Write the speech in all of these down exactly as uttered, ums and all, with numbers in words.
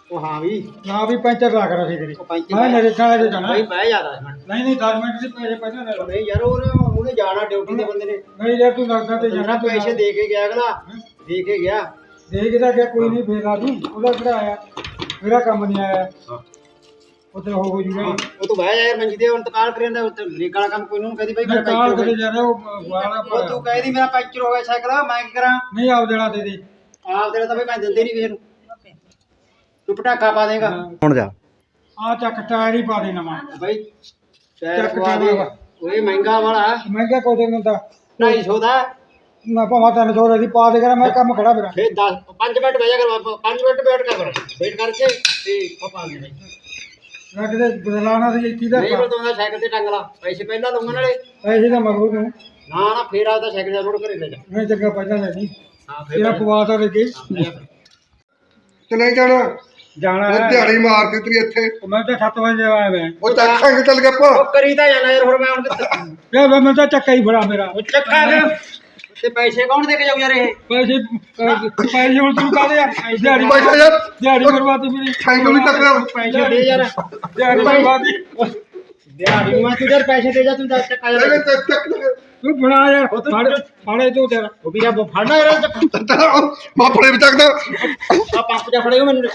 ਉਹ ਹਾਂ ਵੀ ਨਾ ਵੀ ਪੈਂਚਰ ਲਾ ਕਰ ਅਸੀਂ ਕਰੀ ਉਹ ਪੈਂਚਰ ਮੈਂ ਨਰੇਗਾ ਵਾਲੇ ਜਾਣਾ ਭਾਈ ਬਹਿ ਜਾ ਦਸ ਮਿੰਟ ਨਹੀਂ ਨਹੀਂ ਦਸ ਮਿੰਟ ਦੀ ਪੈਸੇ ਪਹਿਲਾਂ ਲੈ ਲਓ ਨਹੀਂ ਯਾਰ ਉਹ ਉਹਨੇ ਜਾਣਾ ਡਿਊਟੀ ਦੇ ਬੰਦੇ ਨੇ ਨਹੀਂ ਯਾਰ ਤੂੰ ਲੱਗਦਾ ਤੇ ਜਣਾ ਜਾਣਾ ਪੈਸੇ ਦੇ ਕੇ ਗਿਆ ਅਗਲਾ ਦੇ ਕੇ ਗਿਆ ਦੇਖਦਾ ਕਿ ਕੋਈ ਨਹੀਂ ਫੇਰ ਲਾ ਦੂੰ ਉਹਦਾ ਕਿਹੜਾ ਆਇਆ ਮੇਰਾ ਕੰਮ ਨਹੀਂ ਆਇਆ ਉੱਥੇ ਹੋ ਹੋ ਜੂਗਾ ਉਹ ਤੂੰ ਬਹਿ ਜਾ ਯਾਰ ਮੰਜੀ ਤੇ ਹੁਣ ਤਕਾਲ ਕਰੀ ਜਾਂਦਾ ਉੱਥੇ ਬ੍ਰੇਕ ਵਾਲਾ ਕੰਮ ਕੋਈ ਨੂੰ ਕਹਦੀ ਭਾਈ ਮੇਰਾ ਕਾਲ ਪੈਂਚਰ ਹੋ ਕਰੇ ਗਿਆ ਜਾ ਰਿਹਾ ਉਹ ਵਾਲਾ ਉਹ ਤੂੰ ਕਹਿਦੀ ਮੇਰਾ ਪੈਂਚਰ ਹੋ ਗਿਆ ਸਾਈਕਲ ਮੈਂ ਕੀ ਕਰਾਂ ਨਹੀਂ ਆਪ ਦੇਣਾ ਦੇ ਦੇ ਆਪ ਤੇਰਾ ਤਾਂ ਭਾਈ ਮੈਂ ਦਿੰਦੇ ਨਹੀਂ ਕਿਸੇ ਨੂੰ ਤੂੰ ਪਟਾਕਾ ਪਾ ਦੇਗਾ ਹੁਣ ਜਾ ਆ ਚੱਕ ਟਾਇਰ ਹੀ ਪਾ ਦੇ ਨਵਾਂ ਭਾਈ ਟਾਇਰ ਚੱਕ ਪਵਾ ਦੇ ਟਾਇਰ। ਓਏ ਮਹਿੰਗਾ ਵਾਲਾ ਮਹਿੰਗਾ ਕੋਈ ਨਹੀਂ ਹੁੰਦਾ ਢਾਈ ਸੌ ਦਾ ਮੈਂ ਭਾਵੇਂ ਤਿੰਨ ਸੌ ਦੀ ਪਾ ਦੇ ਕਰਾਂ ਮੈਂ ਕੰਮ ਖੜਾ ਮੇਰਾ ਫੇਰ ਦਸ ਪੰਜ ਮਿੰਟ ਬਹਿ ਜਾ ਕਰ ਪੰਜ ਮਿੰਟ ਵੇਟ ਕਰ ਵੇਟ ਕਰਕੇ ਤੇ ਉਹ ਪਾ ਦੇ ਭਾਈ ਮੈਂ ਕਿਤੇ ਬਦਲਾਣਾ ਸੀ ਇੱਥੇ ਦਾ ਨਹੀਂ ਬਤਾਉਂਦਾ ਸਾਈਕਲ ਤੇ ਟੰਗ ਲਾ ਪੈਸੇ ਪਹਿਲਾਂ ਲਊਂਗਾ ਨਾਲੇ ਪੈਸੇ ਦਾ ਮਗਰੋਂ ਤੂੰ ਨਾ ਨਾ ਫੇਰ ਆਦਾ ਸਾਈਕਲ ਦਾ ਰੋਡ ਘਰੇ ਲੈ ਜਾ ਮੈਂ ਚੰਗਾ ਪਹਿਲਾਂ ਲੈ ਲਈ ਹਾਂ ਤੇਰਾ ਪਵਾ ਤਾਂ ਲੱਗੇ ਤੇ ਨਹੀਂ ਜਾਣਾ ਜਾਣਾ ਉਹ ਹੈ ਦਿਹਾੜੀ ਮਾਰਦੀ ਤੇਰੀ ਇੱਥੇ ਮੈਂ ਤਾਂ ਸੱਤ ਵਜੇ ਆਇਆ ਮੈਂ ਉਹ ਚੱਕਾਂਗੇ ਚੱਲ ਕੇ ਪਾ ਉਹ ਕਰੀ ਤਾਂ ਜਾਣਾ ਯਾਰ ਹੁਣ ਮੈਂ ਹੁਣ ਕਿੱਥੇ ਯਾਰ ਮੈਂ ਤਾਂ ਚੱਕਾ ਹੀ ਬੜਾ ਮੇਰਾ ਉਹ ਚੱਕਾ ਫਿਰ ਤੇ ਪੈਸੇ ਕੌਣ ਦੇ ਕੇ ਜਾਊ ਯਾਰ ਇਹ ਪੈਸੇ ਪੈਸੇ ਹੁਣ ਤੂੰ ਕਾਹਦੇ ਆ ਦਿਹਾੜੀ ਪੈਸੇ ਯਾਰ ਦਿਹਾੜੀ ਬਰਬਾਦੀ ਮੇਰੀ ਸਾਈਕਲ ਵੀ ਚੱਕ ਲਿਆ ਪੈਸੇ ਦੇ ਯਾਰ ਦਿਹਾੜੀ ਬਰਬਾਦੀ ਦਿਹਾੜੀ ਮੈਂ ਤੂੰ ਯਾਰ ਪੈਸੇ ਦੇ ਜਾ ਤੂੰ ਦਸ ਚੱਕਾ ਇਹ ਯਾਰ ਚੱਕ ਚੱਕ ਲਿਆ ਤੂੰ ਬਣਾ ਯਾਰ ਫੜ ਫੜੇ ਤੂੰ ਤੇਰਾ ਉਹ ਵੀਰਾ ਫੜਨਾ ਯਾਰ ਚੱਕਾ ਮਾਪੜੇ ਵੀ ਚੱਕਦਾ ਆ ਪੰਪ ਜਾ ਫੜਿਓ ਮੈਨੂੰ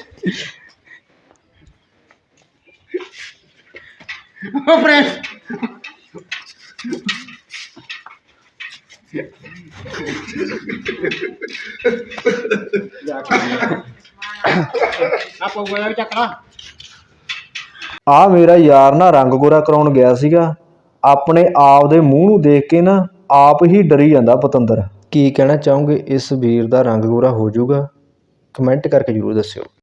ਉਹ ਫਰੈਂਡ ਆਪੋ ਗੋਇਆ ਵੀ ਚੱਕਣਾ ਆ ਮੇਰਾ ਯਾਰ ਨਾ ਰੰਗ ਗੋਰਾ ਕਰਾਉਣ ਗਿਆ ਸੀਗਾ ਆਪਣੇ ਆਪ ਦੇ ਮੂੰਹ ਨੂੰ ਦੇਖ ਕੇ ਨਾ ਆਪ ਹੀ ਡਰੀ ਜਾਂਦਾ ਪਤੰਦਰ। ਕੀ ਕਹਿਣਾ ਚਾਹੋਗੇ ਇਸ ਵੀਰ ਦਾ ਰੰਗ ਗੋਰਾ ਹੋ ਜਾਊਗਾ? ਕਮੈਂਟ ਕਰਕੇ ਜ਼ਰੂਰ ਦੱਸਿਓ।